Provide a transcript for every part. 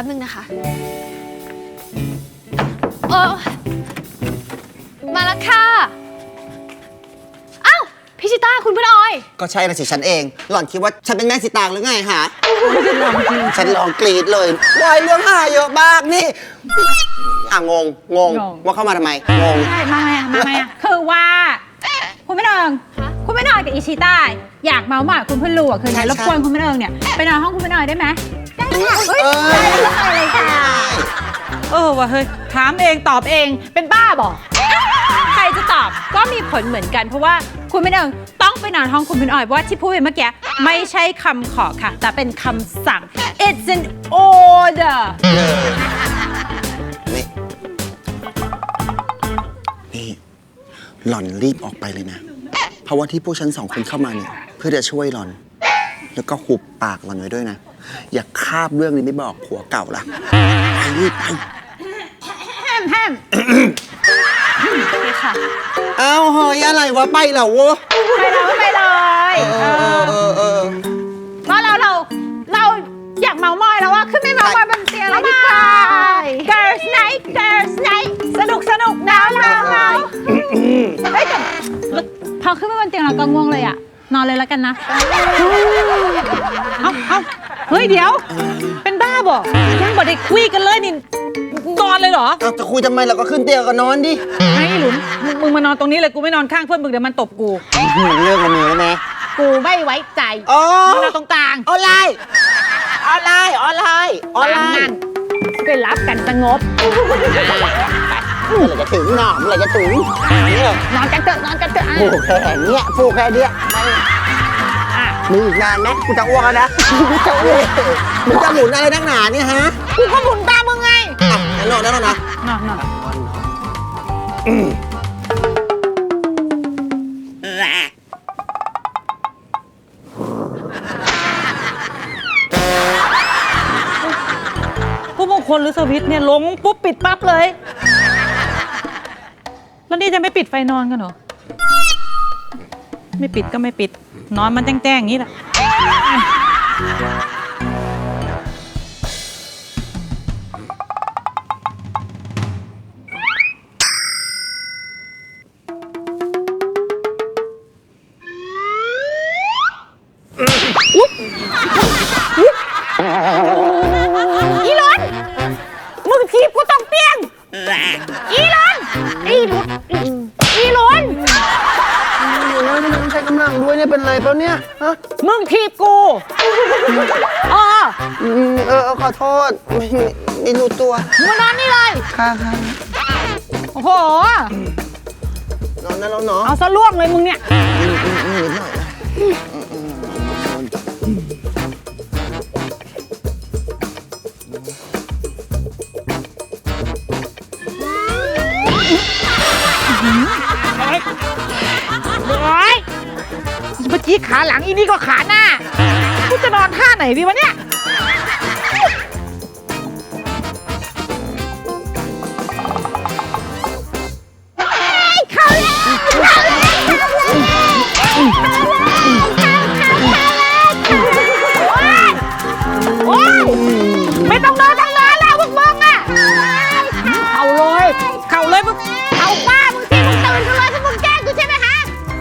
ป๊บนึงนะคะมาแล้วค่ะอ้าวพี่ชิต้าคุณเพื่อนออยก็ใช่ละสิฉันเองหล่อนคิดว่าฉันเป็นแม่สีตางหรือไงฮะฉันลองกรีดเลยวายเรื่องหาเยอะมากนี่งงว่าเข้ามาทำไมงงใช่มาไงคือว่าคุณไม่นอนคุณไม่นอนกับอิชิต้าอยากเมาหมอยคุณเพื่อนลูกคือไงรบกวนคุณไม่นอนเนี่ยไปนอนห้องคุณไม่นอนได้ไหมได้ค่ะได้เลยค่ะว่ะเฮ้ยถามเองตอบเองเป็นบ้าบอกใครจะตอบก็มีผลเหมือนกันเพราะว่าคุณไม่นอนต้องไปนอนห้องคุณไม่นอนเพราะว่าที่พูดไปเมื่อกี้ไม่ใช่คำขอค่ะแต่เป็นคำสั่ง it's an order นี่หล่อนรีบออกไปเลยนะเพราะว่าที่พวกฉันสองคนเข้ามาเนี่ยเพื่อจะช่วยหล่อนแล้วก็หุบปากหล่อนไว้ด้วยนะอย่าคาบเรื่องนี้ไม่บอกผัวเก่าล่ะไปรีบไปแฮมค่ะอ้าวเฮ้ยอะไรวะไปเหรอวะไปเลยเพราะเราอยากเมามอยแล้วว่าขึ้นไม่เมามอยบนเตียงแล้วดีกว่า Girls Night สนุกนะเราเฮ้ยแต่พอขึ้นไปบนเตียงเราก็ง่วงเลยอ่ะนอนเลยแล้วกันนะเอาเฮ้ยเดี๋ยวเป็นบ้าบอกยังบอกได้คุยกันเลยนี่นอนเลยเหรอจะคุยทำไมเราก็ขึ้นเตียงก็นอนดิไอ้หลุนมึงมานอนตรงนี้เลยกูไม่นอนข้างเพื่อนมึงเดี๋ยวมันตบกูเลิกกันเลยนะกูไม่ไว้ใจมึงนอนตรงกลางออนไลน์ไปรับกันสงบเมื่อไหร่จะถึงหนอเมื่อไหร่จะถึงนอนกันเถอะผูกแค่เนี้ยมึงอีกนานไหมกูจะอ้วกแล้วนะมึงจะหมุนอะไรนักหนาเนี่ยฮะกูก็หมุนตามมึงไงนอนนะผู้มงคลหรือสวิตเนี่ยลงปุ๊บปิดปั๊บเลยแล้วนี่จะไม่ปิดไฟนอนกันเหรอไม่ปิดก็ไม่ปิดนอนมันแจ้งๆอย่างนี้แหละอีหลอนมึงทีบกูต้องเปียงอีหลอนไม่ใช้กำลังด้วยเนี่ยเป็นไรเปล่าเนี่ยฮะมึงทีบกูขอโทษไม่รู้ตัวมึงนอนนี่เลยค่ะโอ้โหนอนได้แล้วเนาะเอาซะล่วงเลยมึงเนี่ยนิดหน่อยเมื่อกี้ขาหลังอีนี่ก็ขาหน้ากูจะนอนท่าไหนดีวะเนี่ยเข้าไม่ต้องนอนแล้วพวกมึงอ่ะเข้าเลยมึงเข้าป้ามึงสิมึงตื่นกันเลยพวกมึงแกล้งกูใช่ไหมฮะ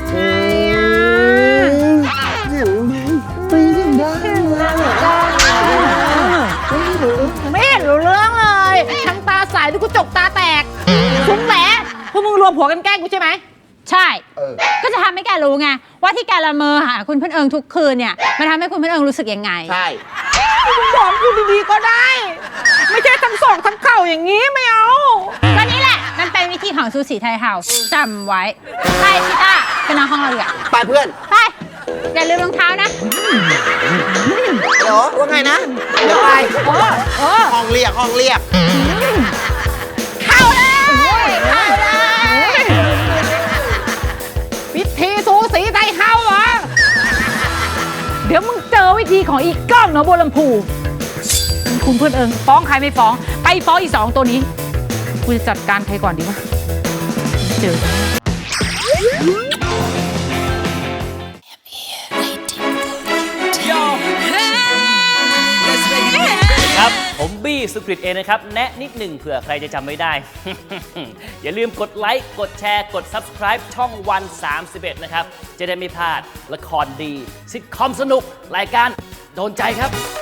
ไม่เห็นรู้เรื่องเลยทั้งตาใสดูกูจกตาแตกซุ้มแหลพวกมึงรวมหัวกันแกล้งกูใช่ไหมใช่ก็จะทำให้แกรู้ไงว่าที่แกละเมอหาคุณเพื่อนเอิงทุกคืนเนี่ยมันทำให้คุณเพื่อนเอิงรู้สึกยังไงใช่บอกกูดีๆก็ได้ไม่ใช่ทั้งศอกทั้งเข่าอย่างนี้ไม่เอาก็นี่แหละมันเป็นวิธีของซูสีไทยเฮาส์จำไว้ไปชิต้าไปนอนห้องเราดีกว่าไปเพื่อนไปอย่าลืมรองเท้านะเดี๋ยวว่าไงนะเดี๋ยวไปห้องเรียกเข้าเลยวิธีสูสีไทยเฮาเหรอเดี๋ยวมึงเจอวิธีของอีกก้องเนาะบัวลำพูคุณเพื่อนเอิงฟ้องใครไม่ฟ้องไปฟ้องอี2ตัวนี้กูจะจัดการใครก่อนดีวะเจอครับผผมบี้สุกฤตเองนะครับ แนะนิดหนึ่งเผื่อใครจะจำไม่ได้ อย่าลืมกดไลค์ กดแชร์ กด Subscribe ช่องวัน 31 นะครับ จะได้ไม่พลาดละครดีซิทคอมสนุก รายการโดนใจครับ